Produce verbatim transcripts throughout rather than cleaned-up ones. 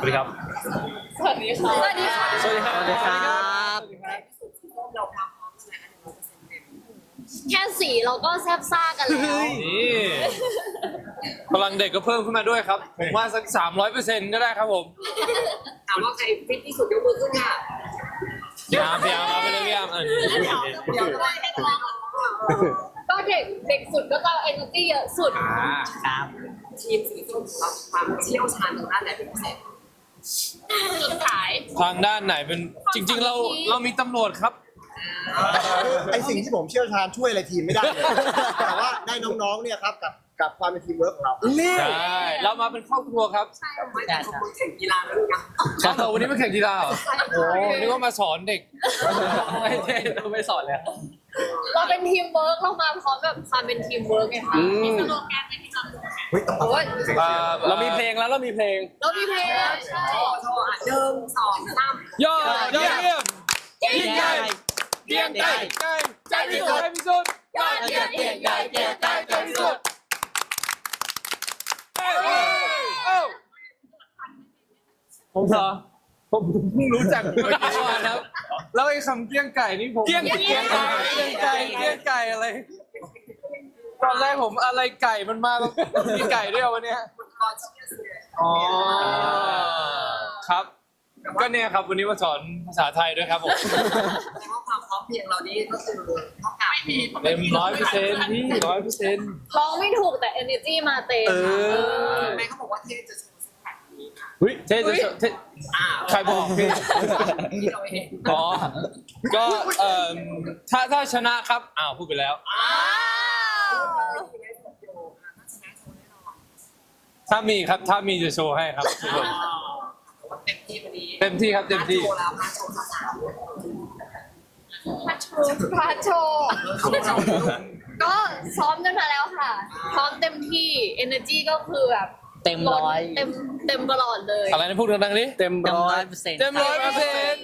วัสดีครับสวัสดีค่ะสวัสดีค่ะสวัสดีครับสวัสดีครับเราทำพร้อมใช่ไหมคะหนึ่งร้อยเปอร์เซ็นต์เต็มแค่สีเราก็แซ่บซ่ากันแล้วนี่พลังเด็กก็เพิ่มขึ้นมาด้วยครับ ผมว่าสักสามร้อยเปอร์เซ็นต์ก็ได้ครับผมถามว่าใครฟิตที่สุดยกมือขึ้นค่ะพี่อาร์มพี่อาร์มเอาไปเลยพี่อาร์มเออเดี๋ยวได้ให้น้องก็เด็กเด็กสุดก็จะเอเนอร์จีเยอะสุดอ่าครับ ทีมสีส้มของเราความเชี่ยวชาญทางด้านไหนเป็นพิเศษสุดขายทางด้านไหนเป็นจริง ๆ เราเรามีตำรวจครับไอสิ่งที่ผมเชี่ยวชาญช่วยอะไรทีมไม่ได้เลยแต่ว่าได้น้องๆเนี่ยครับกับกับความเป็นทีมเวิร์กของเราใช่เรามาเป็นครอบครัวครับไม่แต่เขาแข่งกีฬาแล้วนะครับเราวันนี้มาแข่งกีฬาเหรอโอ้นึกว่ามาสอนเด็กไม่ใช่เราไม่สอนแล้วเราเป็นทีมเวิร์กเรามาพร้อมแบบความเป็นทีมเวิร์กไงคะมีสโลแกนไหมที่จำได้เฮ้ยต้องโอ้ยอ่าเรามีเพลงแล้วเรามีเพลงเรามีเพลงใช่โชว์โชว์อ่ะหนึ่งสองสามยอดยอดเยี่ยมยิ่งใหญ่เยี่ยมใจใจใจพิสุทธิ์ใจพิสุทธิ์ยอดเยี่ยมยิ่งใหญ่เยี่ยมใจใจพิสุทธิ์เอ้ยเอ้ยเอ้ยผมเหรอผมเพิ่งรู้จักเมื่อกี้นะครับแล้วไอ้คำเกี้ยงไก่นี่ผมเกี้ยงเกี้ยงไก่เกี้ยงไก่เกี้ยงไก่อะไรตอนแรกผมอะไรไก่มันมาแล้วมีไก่ด้วยเหรอวันเนี้ยก็เชียร์เสืออ๋อครับก็เนี่ยครับวันนี้มาสอนภาษาไทยด้วยครับผมแต่ว่าความพร้อมเพรียงเรานี่ก็คือเท่ากับไม่มีเต็มร้อยเปอร์เซ็นต์พี่ร้อยเปอร์เซ็นต์ร้องไม่ถูกแต่ energy มาเต็มเออแม่เขาบอกว่าเทจะโชว์ซิกแพคนี้ค่ะเฮ้ยเท่จะเท่อ่าใครบอกพี่ที่เราเห็นอ๋อก็เอ่อถ้าถ้าชนะครับอ้าวพูดไปแล้วอ้าวไม่ได้สดโยค่ะถ้าชนะโชว์แน่นอนถ้ามีครับถ้ามีจะโชว์ให้ครับทุกคนเต็มที่วันนี้เต็มที่ครับเต็มที่โชว์แล้วพาโชว์สาวพาโชว์พาโชว์ก็ซ้อมกันมาแล้วค่ะซ้อมเต็มที่ energy ก็คือแบบเต็มร้อยเต็มเต็มตลอดเลยอะไรนะพูดดังๆนี้เต็มเต็มร้อร้อย ยเปอร์เซ็นต์เต็มร้อยเปอร์เซ็นต์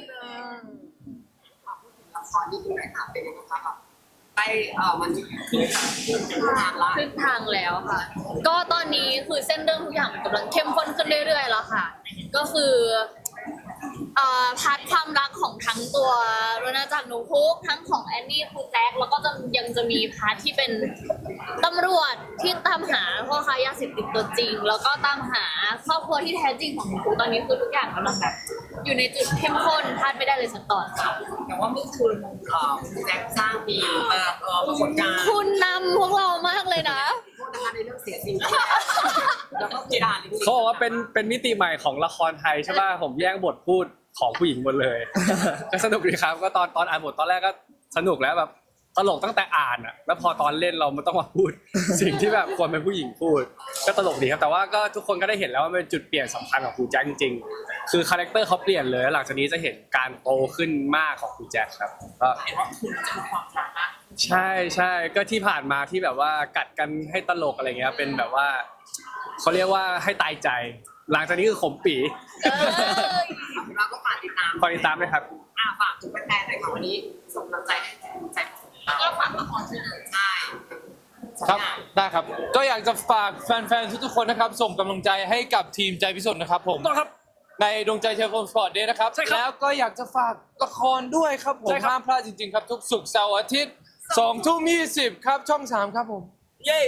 ละครนี่คือไหนค่ะเป็นยังไงคะไปเอ่อมันคือทางละครึ่งทางแล้วค่ะ ก็ตอนนี้คือเส้นเรื่องทุกอย่างมันกำลังเข้มข้นขึ้นเรื่อยๆแล้วค่ะ ก็คือเอ่อพาร์ทความรักของทั้งตัวโรนาจากหนูพุกทั้งของแอนนี่ครูแจ็คแล้วก็จะยังจะมีพาร์ทที่เป็นตำรวจที่ตามหาพ่อค้ายาเสพติดตัวจริง แล้วก็ตามหาครอบครัวที่แท้จริงของหนูพุกตอนนี้คือทุกอย่างกำลังแบบอยู่ในจุดเข้มข้นพลาดไม่ได้เลยสักตอนค่ะแต่ว่าเมื่อคืนเอ่อแจ็คสร้างมีมาเอ่อปรากฏการณ์คุณนำพวกเรามากเลยนะโทษนะคะในเรื่องเสียสิ่งแล้วก็กีฬาลิมปิกเขาบอกว่าเป็นเป็นมิติใหม่ของละครไทยใช่ป่ะผมแย่งบทพูดของผู้หญิงหมดเลย ก็สนุกดีครับก็ตอนตอนอ่านบทตอนแรกก็สนุกแล้วแบบตลกตั้งแต่อ่านอ่ะแล้วพอตอนเล่นเรามันต้องมาพูด สิ่งที่แบบควรเป็นผู้หญิงพูด ก็ตลกดีครับแต่ว่าก็ทุกคนก็ได้เห็นแล้วว่ามันเป็นจุดเปลี่ยนสำคัญของครูแจ็คจริงๆคือคาแรคเตอร์เขาเปลี่ยนเลยแล้วหลังจากนี้จะเห็นการโตขึ้นมากของครูแจ็คครับก็เห็นว่าคุณจะมีความรักมากใช่ใช่ก็ที่ผ่านมาที่แบบว่ากัดกันให้ตลกอะไรเงี้ยเป็นแบบว่าเขาเรียกว่าให้ตายใจ หลังจากนี้คือขมปีเอ้ยเราก็ฝากติดตามคอยติดตามด้วยครับอ่าฝากถึงแฟนๆหน่อยค่ะวันนี้ส่งกำลังใจให้ใจแล้วก็ฝากละครด้วยใช่ครับได้ครับ ก็อยากจะฝากแฟนๆทุกๆคนนะครับ ส่งกำลังใจให้กับทีมใจพิสุทธิ์นะครับผมต้องครับในดวงใจเชียร์โฟมสปอร์ตเดย์นะครับใช่ครับแล้วก็อยากจะฝากละครด้วยครับผมใช่ครับห้ามพลาดจริงๆครับ ทุกศุกร์เสาร์อาทิตย์สองทุ่มยี่สิบครับช่องสามครับผมเย้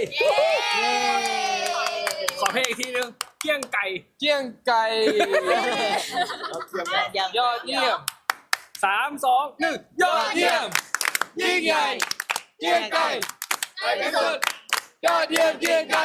ขอเพลงอีกทีนึงเกี้ยงไก่เกี้ยงไก่ยังยอดเยี่ยมสามสองหนึ่งยอดเยี่ยม ยิ่งใหญ่เกี้ยงไก่ใจพิสุทธิ์ยอดเยี่ยมเกี้ยงไก่